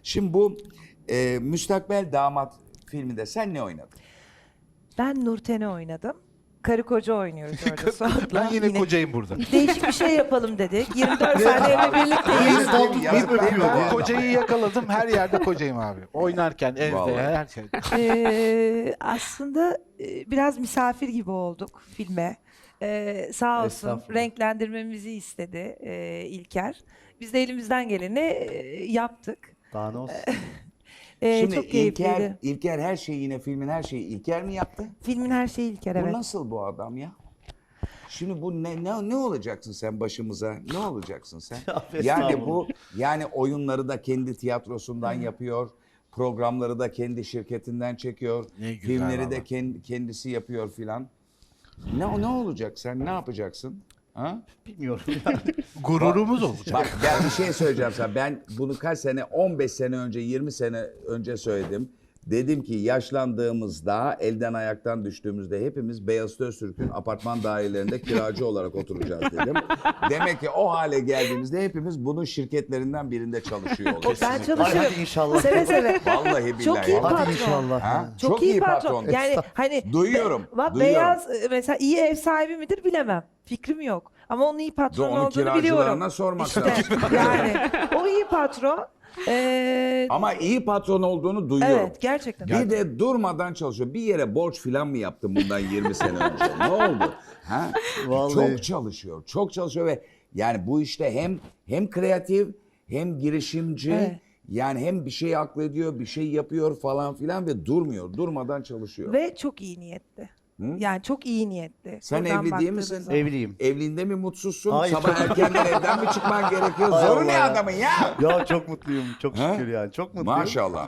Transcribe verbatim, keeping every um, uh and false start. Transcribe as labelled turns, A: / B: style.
A: Şimdi bu e, Müstakbel Damat filminde sen ne oynadın?
B: Ben Nurten'i oynadım. Karı koca oynuyoruz orada Suat'la.
C: Ben yine, kocayım burada.
B: Değişik bir şey yapalım dedik. yirmi dört saat evle birlikteyiz.
A: Yazık değil mi bu adam?
C: Kocayı yakaladım, her yerde kocayım abi. Oynarken, evde,
A: Vallahi.
C: her şey.
B: Ee, aslında e, biraz misafir gibi olduk filme. Ee, sağ olsun
D: Estağfurullah.
B: renklendirmemizi istedi e, İlker. Biz de elimizden geleni e, yaptık.
D: Daha ne olsun?
B: Ee,
A: Şimdi
B: çok keyifliydi.
A: İlker, İlker her şeyi yine filmin her şeyi İlker mi yaptı?
B: Filmin her şeyi İlker,
A: Bu
B: evet.
A: nasıl bu adam ya? Şimdi bu ne ne ne olacaksın sen başımıza? Ne olacaksın sen?
D: Ya,
A: Yani
D: estağfurullah.
A: bu yani oyunları da kendi tiyatrosundan yapıyor. Programları da kendi şirketinden çekiyor.
C: Ne güzel
A: Filmleri
C: valla.
A: de kend- kendisi yapıyor filan. Ne ne olacak sen? Ne yapacaksın? Ha?
D: Bilmiyorum yani.
C: Gururumuz olacak.
A: Bak ben bir şey söyleyeceğim sana. Ben bunu kaç sene, on beş sene önce, yirmi sene önce söyledim. Dedim ki yaşlandığımızda, elden ayaktan düştüğümüzde hepimiz Beyazıt Öztürk'ün apartman dairelerinde kiracı olarak oturacağız dedim. Demek ki o hale geldiğimizde hepimiz bunun şirketlerinden birinde çalışıyor olacağız.
B: Ben
D: Hadi,
B: çalışıyorum.
D: hadi inşallah.
B: Seve seve.
A: Vallahi billahi.
B: Çok iyi
D: Hadi
B: patron.
D: inşallah.
A: Ha?
B: Çok, iyi patron. Yani hani
A: Duyuyorum,
B: be- bak,
A: duyuyorum.
B: Beyaz e, mesela iyi ev sahibi midir bilemem. Fikrim yok. Ama onun iyi patron
A: Onun
B: olduğunu biliyorum.
A: kiracılarına sormak
B: İşte,
A: lazım.
B: yani o iyi patron. Ee,
A: Ama iyi patron olduğunu duyuyorum.
B: evet, gerçekten.
A: Bir de durmadan çalışıyor. Bir yere borç filan mı yaptın bundan yirmi sene önce? Ne oldu? Ha?
D: Vallahi.
A: Çok çalışıyor. Çok çalışıyor ve yani bu işte hem hem kreatif hem girişimci.
B: Evet.
A: Yani hem bir şey aklediyor, bir şey yapıyor falan filan ve durmuyor. Durmadan çalışıyor.
B: Ve çok iyi niyetli. Yani çok iyi niyetli.
A: Sen
B: Buradan
A: evli değil
B: baktığınız
A: misin?
B: zaman.
D: Evliyim.
A: Evliliğinde mi mutsuzsun?
D: Hayır.
A: Sabah erkenden evden mi çıkman gerekiyor?
D: Hay
A: Zoru
D: Allah
A: ne
D: ya.
A: adamın ya?
D: Ya çok mutluyum. Çok
A: Ha?
D: şükür yani. Çok mutluyum.
A: Maşallah.